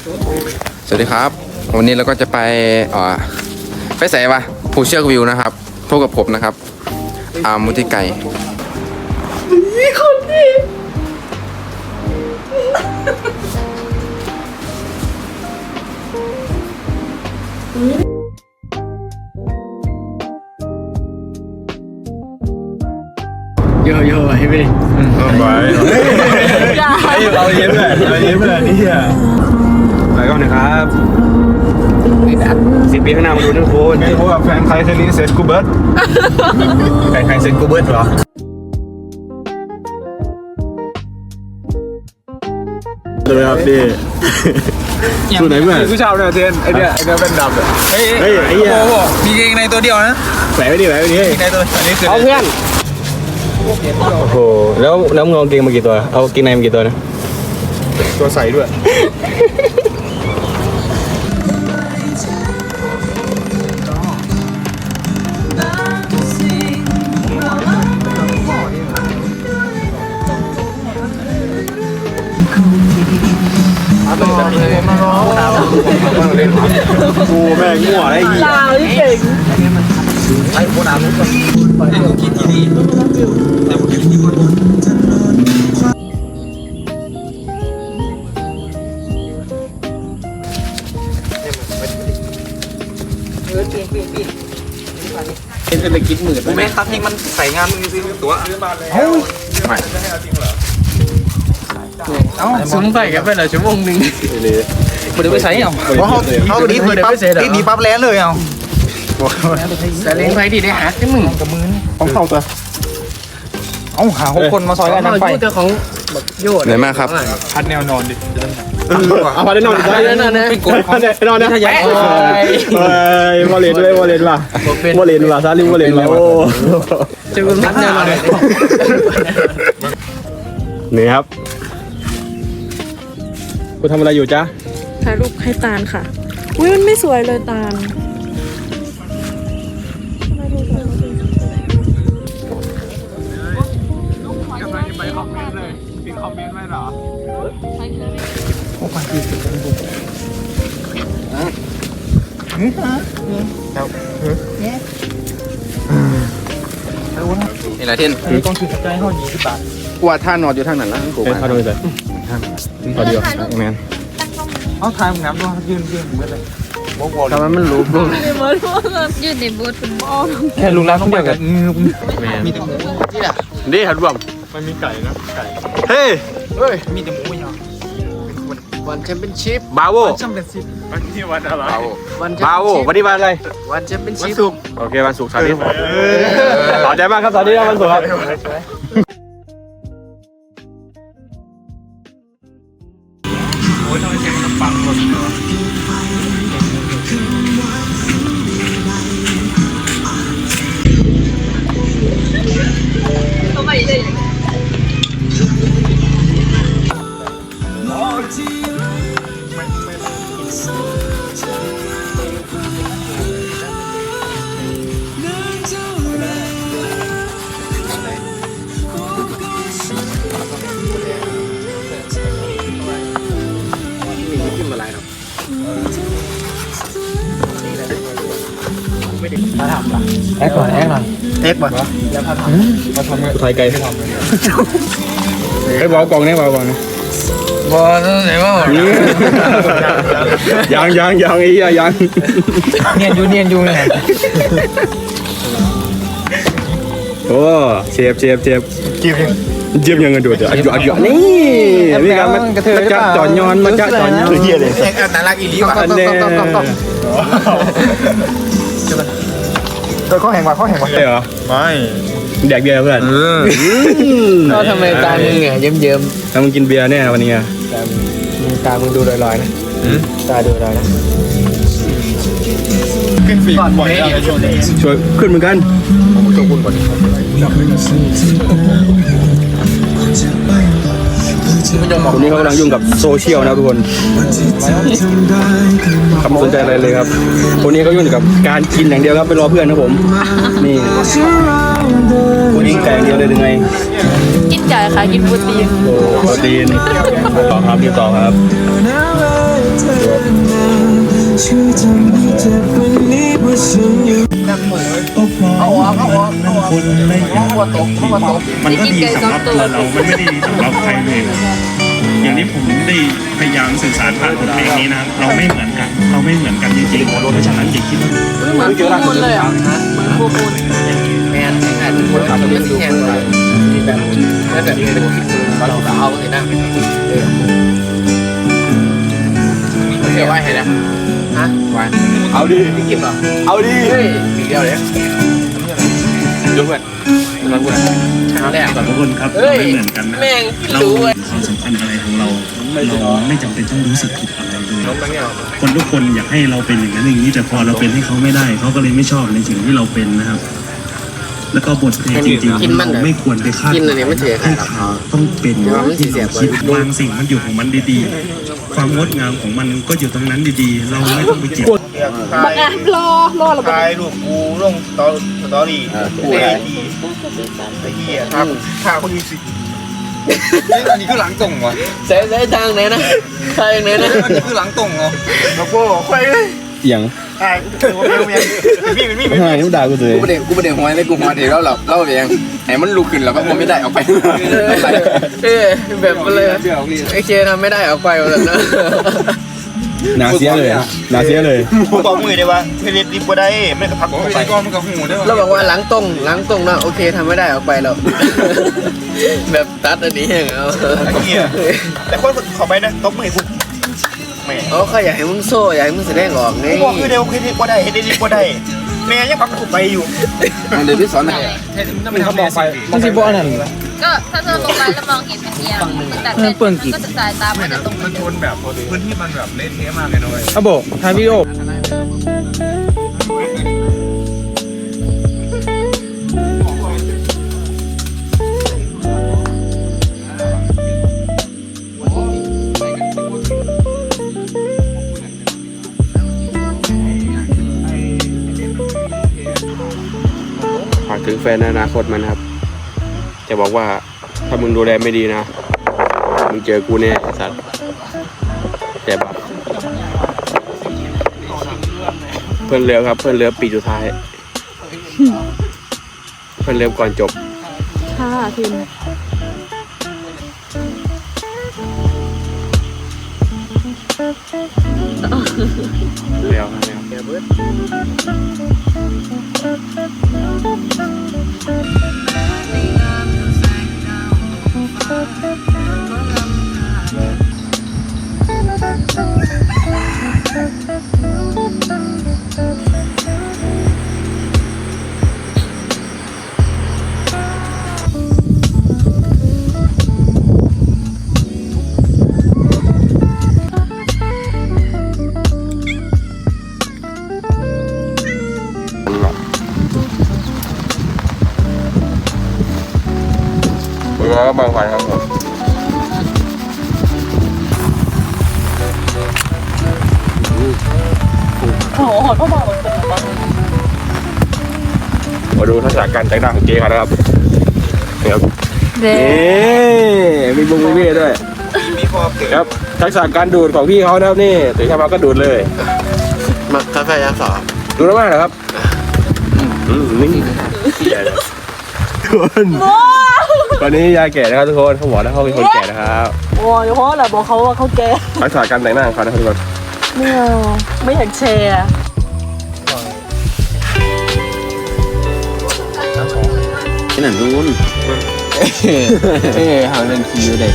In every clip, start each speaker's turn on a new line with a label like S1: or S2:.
S1: สวัสดีครับวันนี้เราก็จะไปใส่วะภูเชือกวิวนะครับพบกับผมนะครับมุทิไก่คนดี
S2: เยอะให้ไปดิ
S3: ไปเอาเย็บเลยนี่อ่ะไปก่อนนะครับ10 ปีข้างหน้ามาดูนะทุกคนไม่รู้ว่าแฟนใครเคยเลี้ยงเซตกูเบิร์ตแฟนใครเซตกูเบิร์ตเหรอเลยครับดิตัวไหนเพื่อนผู้ชายเนี่ยเทนไอเนี้ยเป็นดำเลยเฮ้ยไอ้เหี้ยมีเกงในตัวเดียวนะแหวะไปดิในตัวนี้คือเอาเพื่อนโอ้โหแล้วมึงเอาเกงมากี่ตัวเอาเกงในมากี่ตัวนะตัวใส่ด้วยกูแม่งมั่วไอ้เหี้ยลาวที่เก่งไอ้โคตรอาวุธไอ้กูคิดที่ดีแต่กูคิดที่บนเป็นเศรษฐกิจหมื่นกูแม่ครับนี่มันใส่งานมึงซื้อตัวซื้อมาแล้วไม่
S2: ซุ้มใส่กันไปเหรอชั่วโมงนึงมันจะไปใส่เอา
S3: เขาดีปั๊บแลนเลยเอา
S2: แต่เลี้ยงไปดีได้หาที่มึงกับมือ
S3: ของเข้าตัวเอาหา6 คนมาซอยกันไป
S2: เจ้าของโยด
S1: ไหนมาครับ
S3: พัดแนวนอนดิเอาพัดแนวนอนได้
S2: เป็นกด
S3: พัดแนวนอนนะวอลเลนด้วยวอลเลนว่ะซาลิวอลเลนว่ะโอ้
S2: เจ้าคุณพัดแนวนอน
S3: นี่ครับกูทำอะไรอยู่จ๊ะ
S4: ถ่ายรูปให้ตาลค่ะอุ้ยมันไม่สวยเลยตาล
S1: นี่แหละเทน
S3: ต้องถือใจห้อง20 บาท
S1: กว่าท่านอนอยู่ทางนั้นแล้วกูมา
S3: ท่านอนเลยพอดีอ่ะแมนเอาทางน้ำด้วยยืนเหมือนเลย
S1: ทำไมมันรู้บ้าง
S4: ยืดในบูธคุณบอล
S3: แค่ลุงร้านต้องเดียวกันมีแต่หมูนี่หันรวมมันมีไก่นะไก่เฮ้ยมีแต่หมูอย่าง
S2: วันแชมเปี้ยนชิพ
S3: บาโว
S2: แชมเปี้ยนชิพ
S3: วันนี้วันอะไร
S2: บาโว
S3: วันนี้วันอะไร
S2: วันแชมเปี้ยนชิพ
S3: โอเควันศุกร์สาธิตต่อใจมากครับสาธิตวันศุกร์ครับโอ้ยทำไมเสียงมันปังหมด
S4: เขาไม่ได้
S2: แอ๊กก่อน
S3: เอ็กบ่แล้วพาทำมาทำไทยไกลให้ทำเลยไอ้บอลกองนี่บอลกองนี่
S2: บอลไหนวะ
S3: ยังไอ้เหี้ยยัง
S2: เนียนยูเลย
S3: โอ้เชฟยังเงินดูเดี๋ยวอัดนี่มีการมาจับจอนย้อนเหี้ยเลย
S1: น่ารักอีหลีว่ะ
S3: เขาแห่งว่ะใช่เหรอไม่แดกเบียร์เพื่อน
S2: ก็ทำไมตามึงเนี่ยเยิ้ม
S3: ถ้ามึงกินเบียร์แน่วันนี้
S2: ตามึงดูลอยๆนะตาดูลอยนะ
S3: ขึ้นฟีบ่อยช่วยขึ้นเหมือนกัน
S1: ผมช่วยคุณก่อน
S3: คนนี้เขากำลังยุ่งกับโซเชียลนะทุกคนคำสนใจอะไรเลยครับคนนี้เขายุ่งกับการกินอย่างเดียวครับไปรอเพื่อนนะผมนี่คนนี้ไก่อย่างเดียวเลยหรือไง
S4: กินไก่ค่ะกินโปรตีน
S3: โปรตีนต่อครับ
S5: มันก็ดีสำหรับตัวเรามันไม่ได้ดีสำหรับใครเลยอย่างที่ผมได้พยายามสื่อสารผ่านบทเพลงนี้นะเราไม่เหมือนกันจริงๆเพราะฉะนั้นอย่าคิดว่า
S2: เหมือนฟูมูลเลยอ่ะเหมือนฟูมูลแมนแอนคนขับมันสีแห้งเลยมีแบบไม่แบบเป็นเราเอาเลยนะเดี๋ยวไว้ให้นะฮะไว้
S3: เอาดิ
S2: พี่กิมเหรอ
S3: เอาดิ
S2: เฮ้ยปีเดียวเลยดูเพื่อนกำลังกูนะครั้งแรก
S5: ทุกคนครับเราไม่เหมือนกันนะ
S2: แม่ง
S5: เรา
S2: รู้เว้ย
S5: ความสัมพันธ์อะไรของเราไม่จำเป็นต้องรู้สึกผิดอะไรเลยคนทุกคนอยากให้เราเป็นอย่างนั้นอย่างนี้แต่พอเราเป็นให้เขาไม่ได้เขาก็เลยไม่ชอบในสิ่งที่เราเป็นนะครับ แล้วก็บทเพลงจริงๆเราไม่ควรไปคาดหวังให้เขาต้องเป็นที่เราคิดบางสิ่งมันอยู่ของมันดีๆ ความงดงามของมันก็อยู่ตรงนั้นดีๆ เราไม่ต้องไปเก็บ
S4: บางอ่ะรอระเบิด
S6: ถ่ายรูปกูลงสตอรี่กูไอ้ทีไอ้เหี้ยถ้าคนมีสิอันนี้คือหลังตรงวะ
S2: เซ่ทางไหนนะทางไหนนะ
S6: อันนี้คือหลังตรงเหรอแล้วก็ค่อย
S3: อย่าง
S6: ถ่ายกูเป็นมี
S3: ทำไมต้องด่ากูเลย
S1: กูประเด็นหัวไม่กูหัวเดี๋ยวเราเองไอ้มันลุกขึ้นแล้วก็ไม่ได้ออกไป
S2: แบบเลยไอ้เคทำไม่ได้เอาไปแล้วนะ
S3: นาเสียเลยนาเสียเลย
S6: กูบอกมือได้ว่าเทเลดิบก็ได้ไม่กระพักไปก้อนมันกับหูได้
S2: เราบอกว่าหลังตรงนะโอเคทำไม่ได้ออกไปแล้วแบบตัดอันนี้อย่างเอา
S6: ไอ้เหี้ยแต่คนขอไปนะตบมือกูแม่
S2: เขาอยากให้มึงโซ่อยากให้มึงแสดงออกนี่
S6: กูบอกคือเดียวเทเลดิบก็ได้เทเลดิบก็ได้แม่ยังพักกูไปอยู่
S1: เดี๋ยวพี่สอนหน่อย
S3: เขาบอกไปมันสิบ่อันนั้น
S7: ก็ถ้าเธอลงไปแล้วมองเห็นเป็นเอียงแต่เป็นก็จะสายตามันจะตรง
S6: มันชนแบบพื้นที่มันแบบเละเทะมากเลยนะเว้ย
S3: อ่ะโบถ่ายวิดีโอ
S8: ฝากถึงแฟนในอนาคตมันครับ จะบอกว่าถ้ามึงดูแลไม่ดีนะ มึงเจอกูแน่ไอ้สัตว์แต่แบบเพื่อนเรือครับ เพื่อนเรือปีสุดท้าย เพื่อนเรือก่อนจบ
S4: ค่ะทีม
S8: แล้วนะครับ แล้วก็บางไฟครับผม
S4: โอ้โหเขาบอก
S8: มาดูทักษะการแต่งหน้าของเจ๊กันนะครับครับ
S4: เด้
S8: นี่มีบุ้งมีเบี้ยด้วย
S6: มีพอเกิด
S8: ครับทักษะการดูดของพี่เขานะครับนี่ตื่นเช้ามาก็ดูดเลย
S2: มาคาเฟ่ยาสอ
S8: ดูแล้วมากเหรอครับนี่ใหญ่เลยทุกคนวันนี้ยายแก่นะครับทุกคนเขาบอกแล้วเขาเป็นคนแก่นะครับ
S4: โอ้ยเพราะอะไรบอกเขาว่าเขาแก่
S8: ทักษะการแต่งหน้าของเขานะครับทุกคน
S4: ไม่อยากแชร์
S1: ที่ไหนนู้นห่างเดินคิวเด็ก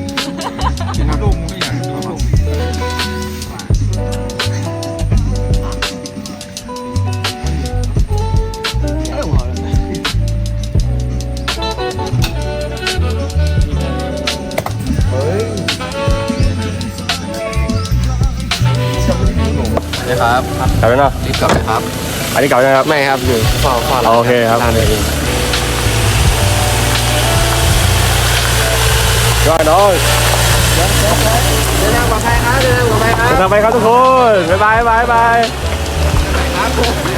S2: นะครับ
S8: กลับไปเนาะ
S2: รีบกลับเลยครับ
S8: อันนี้กลับนะครับ
S2: ไม่ครับอยู่พ่อ
S8: โอเคครับ
S2: ร้านเลย
S8: ก็น้อง
S2: เดินทางปลอดภัยครับเดินทางปลอดภัยครับ
S8: จะทำไปครับทุกคน บ๊ายบาย